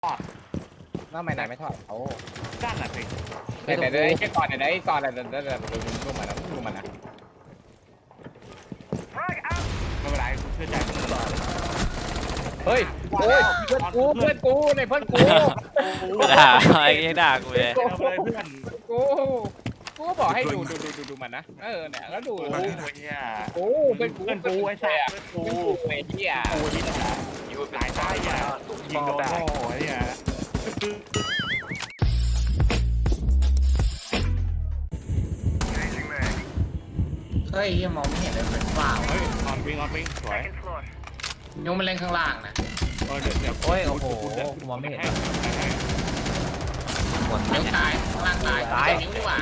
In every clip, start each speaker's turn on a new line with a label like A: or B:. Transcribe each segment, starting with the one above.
A: ทอด
B: น้าไม่ไหนไม่ทอดโอ้
A: ด้านหลังสิ
B: แต่ไอ้ก่อนไหนก่อนอะไรดูมันนะดูมันนะ
A: ไม่เป็นไรเชื่อใจมึง
B: เฮ้ยโอ้ยเพื่อนกูในเพื่อนกู
C: ด่าไอ้ยังด่ากูเลย
A: เอาเลยเพื่อน
B: กูก็บอกให้ดูมันนะเนี่ยแล้วดู
A: โอ้ยเนี่ย
B: กูเป็นกู
A: เพื่อนกูไอ้แซ่เพื่อนกู
B: ไอ้เหี้ย
A: กูนี่นะหลายตายอ่ะยิงโดนโง่ไอ้เนี่ย
D: เฮ้ยยังมองไม่เห็นเลยเป็นฝ้า
A: เฮ้ยออนวิ่งสวย
D: ยกมันเล่นข้างล่างนะ
A: เดี๋ยว
C: โอ้ยโอ้โหกูมองไม่เห็น หมด
D: ยกตายข้างล่างตายนิ้วดีกว่า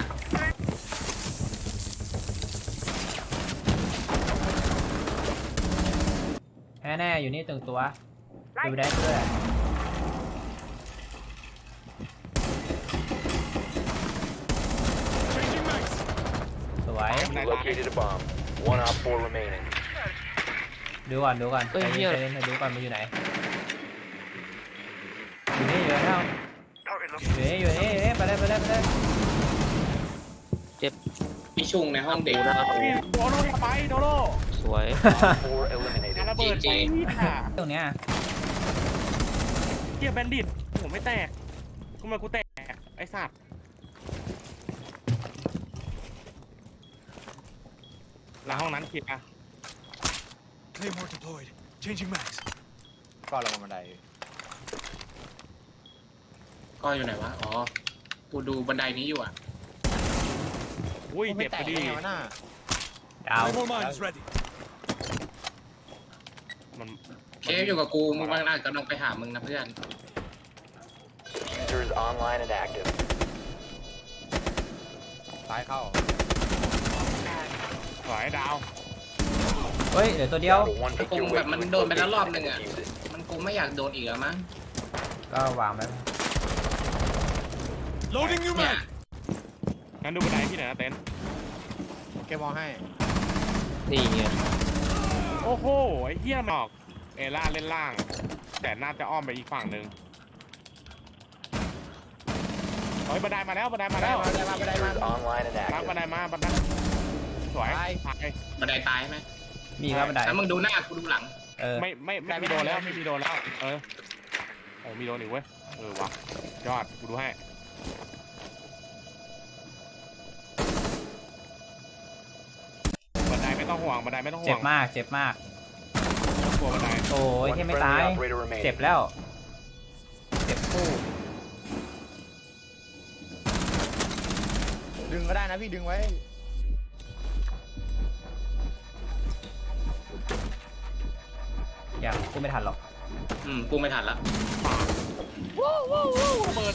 C: แน่ๆอยู่นี่ตึงตัวดูได้ด้วยสวย
E: Located a bomb. One op 4 remaining.
C: ดูก่อนใจเย็นดูก่อนมันอยู่ไหนอยู่นี่อยู่แล้วอยู่นี่ไปเลย
D: พี่ชุงในห้องเด็ก
A: โดโล่ไปโดโล่
C: สวย
E: 4 eliminated.
A: ระเบิดไปค่ะ
C: ตรงเนี้ย
A: เกียร์แบนดิตผมไม่แตกทำไมกูแตกไอ้สัตว์หลังห้องนั้นคิดอ่ะ
F: Claymore deployed. Changing mags.
B: ก็ลงบันได
D: ก็อยู่ไหนวะ อ๋อ กูดูบันไดนี้อยู่อ่ะ
A: อุ้ยเจ็บพอดี
C: ดาว
F: Claymore mines ready.
A: มัน
D: เคฟอยู่กับกูมึงบางน่ากำลังไปหามึงนะเพื่อน
E: Diffuser is online and active.
B: ซ้ายเข้า
A: สวยดาว
C: เฮ้ยเหลือตัวเดียว
E: Down to one
D: คง
E: secure
D: แบบ
E: wait
D: มัน
E: for
D: โดนไปแล้วรอบ
E: location
D: นึง
E: and
D: อ่ะ
E: defuse it.
D: มันคงไม่อยากโดนอีกแล้วมั้ง
C: ก็วางไว้
F: Loading new
D: เนี่ย
F: mag.
A: งั้นดูบันไดพี่หน่อยนะเต้น
B: แกมองให้
C: นี่ไง
A: โอ้โหไอ้เหี้ยมันออกเอล่าเล่นล่าง แต่น่าจะอ้อมไปอีกฝั่งหนึ่งเฮ้ยบันไดมาแล้ว
E: Diffuser is online and
A: รับ
E: active.
A: บันไดมาบันไดสวยตาย
D: บันไดตายไหม
C: มีครับบันได
D: แล้วมึงดูหน้ากูดูหลัง
A: ไม่มีโดนแล้วไม่มีโดนแล้วโอ้มีโดนอีกเว้ยวะยอดกูดูให้บันไดไม่ต้องห่วงบันไดไม่ต้องห่
C: เจ็
A: ว
C: บ
A: ง
C: มาก
A: กลัวบันได
C: โอ้ย
E: One
C: แค่ไม่
E: friendly
C: ตาย
E: operator
C: เจ็บ
E: remaining.
C: แล้วเจ็บคู่
B: ดึงก็ได้นะพี่ดึงไว้
C: ยังขึ้นไม่ทันหรอก
D: กูไม่ทันละ
A: เปิด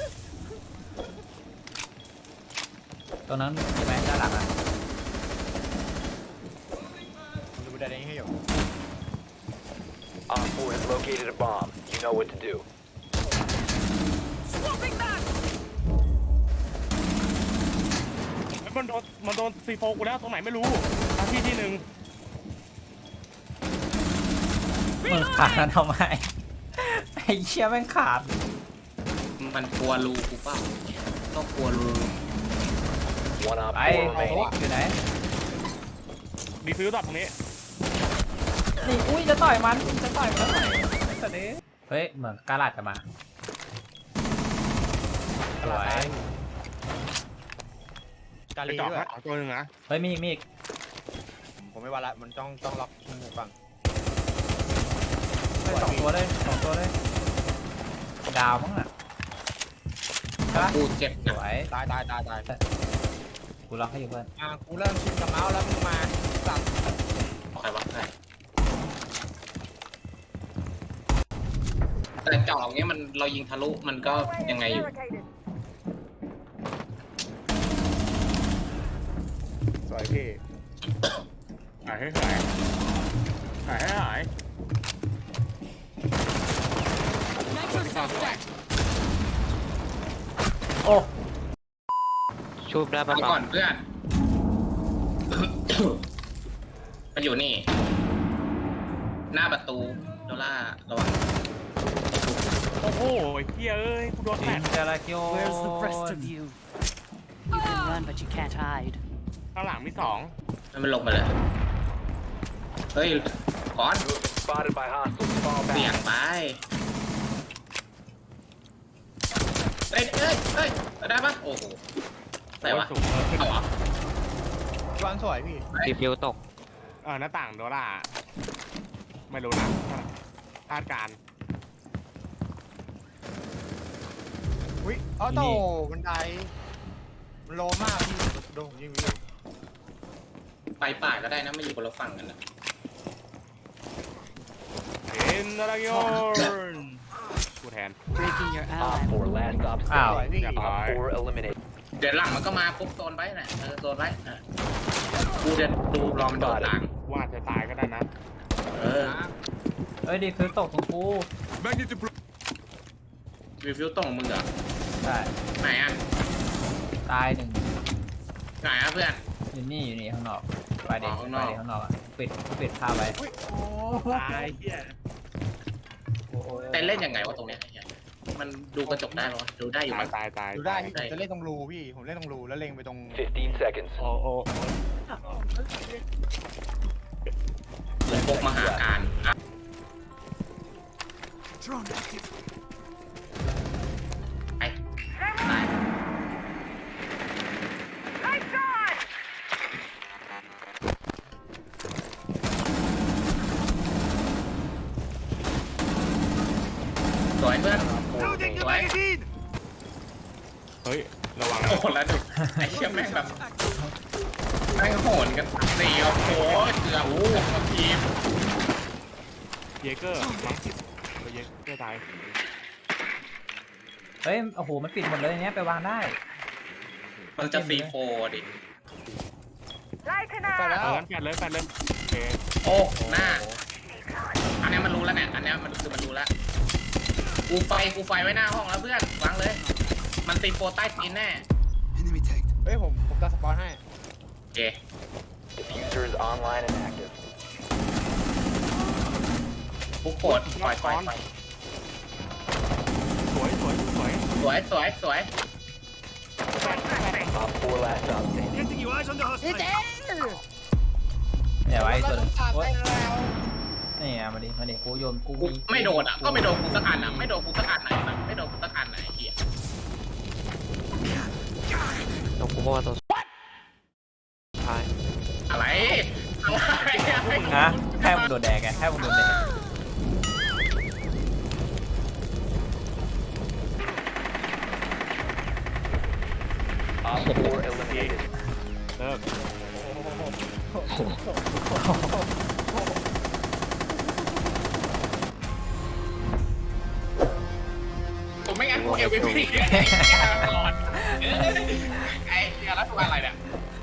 C: ตรงนั้นใช่ไหมด้านหลังอ่ะ
B: ดูบันไดนี้ให้อยู่
E: Op 4 has located a bomb. You know what to do.
A: มันโดนซีโฟกูแล้วตรงไหนไม่รู้ที่หนึ่ง
C: มึงขาดนั้นทำไมไอ้เชี่ยแม่งขาด
D: มันกลัวรูกูเปล่าก็กลัวรู
E: One op
C: ไป
E: 4
C: ไอ้
E: remaining.
C: อยู่ไหน
A: ดีฟิวตัดตรงนี้
C: นี่อุ้ยจะต่อยมันแล้วหน่อยสัตว์นี้เฮ้ยเหมือนกาลัดจะมาสวย
B: กา
A: ไป
B: ลี
A: เจาะ
B: ด้วย
A: เอาตัวหนึ่งนะ
C: เฮ้ยมีอีก
B: ผมไม่ว่าละมันต้องล็อกหูฟัง
C: เฮ้ยสองตัวเลยดาวมั้งอ่ะใช่ปะ
D: กูเจ็บ
C: ส
D: นะ
C: วย
B: ตาย
C: กูล็อกให้อยู่เพื่อน
B: กูเริ่มชินกับเมาส์แล้วมึงมาสับ
D: ใครวะใครแต่เจาะอย่างเงี้ยมันเรายิงทะลุมันก็ยังไงอยู่
B: สวยพี่
A: หายให้หาย
C: โอ้
G: ชูบได้ปะ
D: มา
G: ปะ
D: ก่อนเพื่อน มันอยู่นี่ หน้าประตูโดล่าระวัง
A: โอ้อ้โหเฮียเอ้ยกูโดนแฟ
C: จิ
A: น
C: นจาราคิโอ
H: Where's the rest of you? You can run, but you can't hide.
A: ข้างหลังมีสอง
D: ให้มันลงไปเลยเฮ้ยก่อน
E: You have been spotted by hostiles. Fall
D: เสี่ย
E: back.
D: งไปเฮ้ยได้ปะโอ้โหไหนวะ
A: สูงขึ้น
D: เอาเหรอ
B: วางสวยพี่
G: ดีฟิวตก
A: หน้าต่างโดล่าไม่รู้นะคาดการณ์
B: อุ้ยออโต้บันไดมันโลมากพี่โดนผมยิงพี่
D: ไปป่าก็ได้นะไม่อยู่คนละฝั่งกันนะ
A: เอ็นดารากิโอกูแทน
H: Breaking your
E: Op
H: ally.
E: 4 last stop
C: อ้าว
E: standing.
A: เรียบร้อย
E: Op 4 eliminated.
D: เดี๋ยวหลังมันก็มาปุ๊บโซนไว้น่ะโซนไว้กูจะดูรอมันโดดหลัง
A: ว่าจะตายก็ได้นะ
D: เออ
C: เฮ้ยดีคือตกของกู
F: Magnet deployed.
D: รีวิวตรงมึงเหรอ
C: ใช่
D: ไหนอ่ะ
C: ตายหนึ่ง
D: ไหนอ่ะเพื่อน
C: อยู่นี่ข้างนอกไปเด็ก
D: ข้าง
C: ไป
D: นอก
C: เด็กข้างนอกอ่ะปิดผ้าไว้
A: ตายเฮีย
D: เต้นเล่นยังไงวะตรงเนี้ยไอ้เหี้ยมันดูกระจกได้ปะวะดูได้อยู่
A: ตา
D: มั้
A: ย
D: ย
A: ตาย
B: ดูได้พี่ผมจะเล่นตรงรูพี่ผมเล่นตรงรูแล้วเล็งไปตรง
E: 15 seconds.
A: โอ้โอ้
D: เหมือนพวกมหาการอ่ะ
F: Drone active.
D: ไปตายสวยเพื่อน
F: Loading the
D: What?
F: magazine.
A: เฮ้ยระวัง
D: โอ้โหแล้วดูไอ้เชี่ยแม่งแบบแม่งโหนกันสี่โอ้โหเกือบทั้งทีม
A: เยเกอร์มั้งเยเกอร์ตาย
C: เฮ้ยโอ้โหมันปิดหมดเลยเนี้ยไปวางได้
D: มันจะซีโฟดิ
B: ไปแล้ว
A: งั้นแฟนเลยโอเค
D: โอ้หน้า อันเนี้ยมันรู้แล้วเนี่ยอันเนี้ยมันคือมันรู้แล้วกูไฟไว้หน้าห้องแล้วเพื่อนวางเลย มันซีโฟใต้ตีนแน่
F: Enemy tagged.
B: เฮ้ยผมจะสปอนให้
D: โอเค
E: Diffuser is online and active.
D: ปุ๊กโกดปล่อย
A: สวย
D: สวย
E: Op 4 last stop standing.
F: Getting you eyes on the hostile.
C: อย่าไว้ตัวหนึงโอ๊ยนี่อ่ะมาดิกูโยนกู
D: กูไม่โดนอ่ะก็ไม่โดนกูสักอันอ่ะไม่โดนกูสักอันไหนแบบไม่โดนกูสักอันไหนเหี้ย
G: ตกกูบอกว่าตัวท้าย
D: อะไร
C: ฮะแค่มึงโดนแดกไงแค่มึงโดนแดก
E: Op 4 eliminated.
A: เลิก
D: ผมไม่งั้นกูเอลวีพีก่อนไอ้เหี้ยแล้วตัวอะไรเนี่ย